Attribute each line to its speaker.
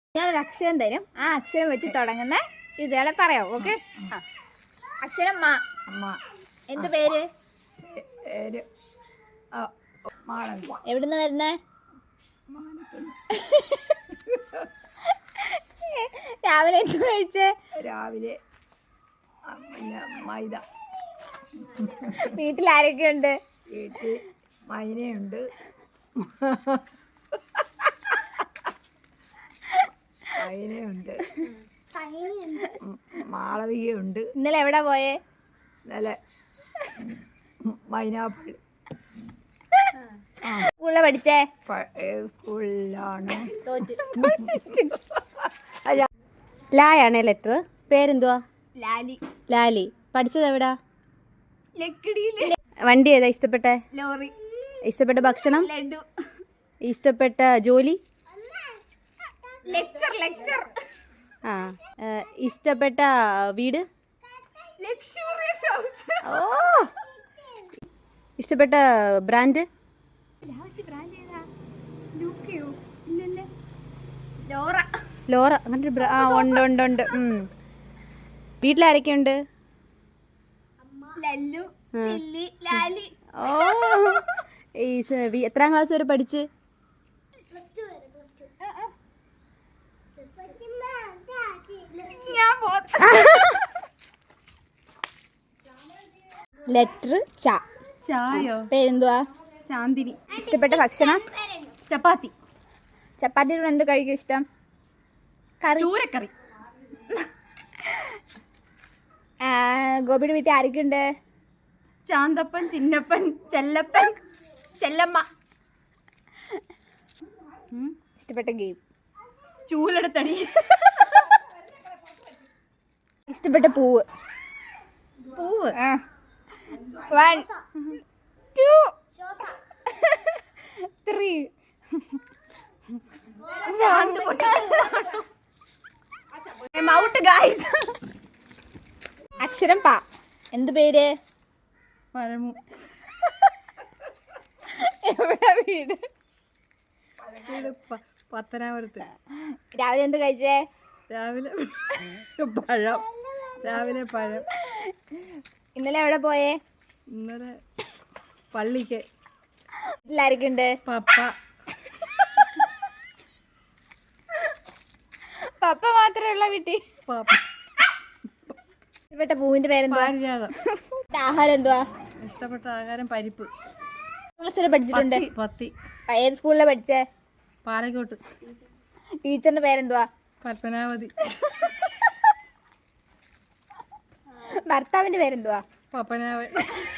Speaker 1: ഞാനൊരു അക്ഷരം തരും. ആ അക്ഷരം വെച്ച് തുടങ്ങുന്ന ഇതുകളെ പറയാം. ഓക്കെ. അക്ഷരം മാ. എന്ത് പേര്? എവിടുന്ന് വരുന്നേ? രാവിലെ എന്ത് കഴിച്ചേ?
Speaker 2: രാവിലെ മൈദ.
Speaker 1: വീട്ടിൽ ആരൊക്കെയുണ്ട്?
Speaker 2: വീട്ടിൽ മൈനയുണ്ട്, മൈനയുണ്ട്, മാളവികയുണ്ട്.
Speaker 1: ഇന്നലെ എവിടെ പോയേ?
Speaker 2: ഇന്നലെ മൈനാപ്പള്ളി.
Speaker 1: സ്കൂളിൽ പഠിച്ചേ?
Speaker 2: ഏത് സ്കൂളിലാണ്?
Speaker 3: ലായാണേ ലെറ്റർ. പേരെന്തുവാ?
Speaker 1: ലാലി.
Speaker 3: ലാലി. പഠിച്ചത് എവിടാ?
Speaker 1: ലക്കിടിയില്.
Speaker 3: വണ്ടി ഏതാ ഇഷ്ടപ്പെട്ടെ?
Speaker 1: ലോറി.
Speaker 3: ഇഷ്ടപ്പെട്ട ഭക്ഷണം?
Speaker 1: ലഡു.
Speaker 3: ഇഷ്ടപ്പെട്ട ജോലി?
Speaker 1: ലെക്ചർ.
Speaker 3: ആ. ഇഷ്ടപ്പെട്ട വീട്?
Speaker 1: Luxurious house.
Speaker 3: ഓ. ഇഷ്ടപ്പെട്ട ബ്രാൻഡ്? ലോറ. അങ്ങനെ ഉണ്ട്. വീട്ടിലാരൊക്കെയുണ്ട്?
Speaker 1: ലല്ലു, ലില്ലി, ലാലി.
Speaker 3: ഓ. എത്രാം ക്ലാസ് വരെ പഠിച്ച്?
Speaker 1: ലെറ്റർ ച.
Speaker 3: ചായോ?
Speaker 1: പേരെന്തുവാ?
Speaker 3: ചാന്ദിനി.
Speaker 1: ഇഷ്ടപ്പെട്ട ഭക്ഷണം?
Speaker 3: ചപ്പാത്തി.
Speaker 1: ചപ്പാത്തിയോട് എന്ത് കഴിക്കും ഇഷ്ടം? കറി.
Speaker 3: ചൂരക്കറി.
Speaker 1: ഗോപിയുടെ വീട്ടിൽ ആരൊക്കെയുണ്ട്?
Speaker 3: ചാന്തപ്പൻ, ചിന്നപ്പൻ, ചെല്ലപ്പൻ, ചെല്ലമ്മ.
Speaker 1: ഇഷ്ടപ്പെട്ട ഗെയിം?
Speaker 3: ചൂലെടുത്തടി.
Speaker 1: ഇഷ്ടപ്പെട്ട പൂവ്? 1 2 3. അക്ഷരം പ. എന്ത് പേര്?
Speaker 3: പരമു.
Speaker 1: എവിടെ വീട്?
Speaker 3: പത്തനാപുരത്ത്.
Speaker 1: രാവിലെ എന്ത് കഴിച്ചേ?
Speaker 3: രാവിലെ പഴം.
Speaker 1: ഇന്നലെ എവിടെ പോയേ?
Speaker 3: ഇന്നലെ പള്ളിക്ക്.
Speaker 1: വീട്ടിലാരൊക്കെയുണ്ട്? പപ്പ മാത്രമേ ഉള്ള വീട്ടിൽ? ഇഷ്ടപ്പെട്ട പൂവിന്റെ പേരെന്താ? ആഹാരം എന്തുവാ?
Speaker 3: ഇഷ്ടപ്പെട്ട ആഹാരം പരിപ്പ്.
Speaker 1: പഠിച്ചിട്ടുണ്ട്?
Speaker 3: പത്തി.
Speaker 1: ഏത് സ്കൂളിലാണ് പഠിച്ചേ?
Speaker 3: പാറക്കോട്ട്.
Speaker 1: ടീച്ചറിന്റെ പേരെന്തുവാ?
Speaker 3: പത്മനാഭതി.
Speaker 1: ഭർത്താവിന്റെ പേരെന്തുവാ?
Speaker 3: പപ്പനാവൻ.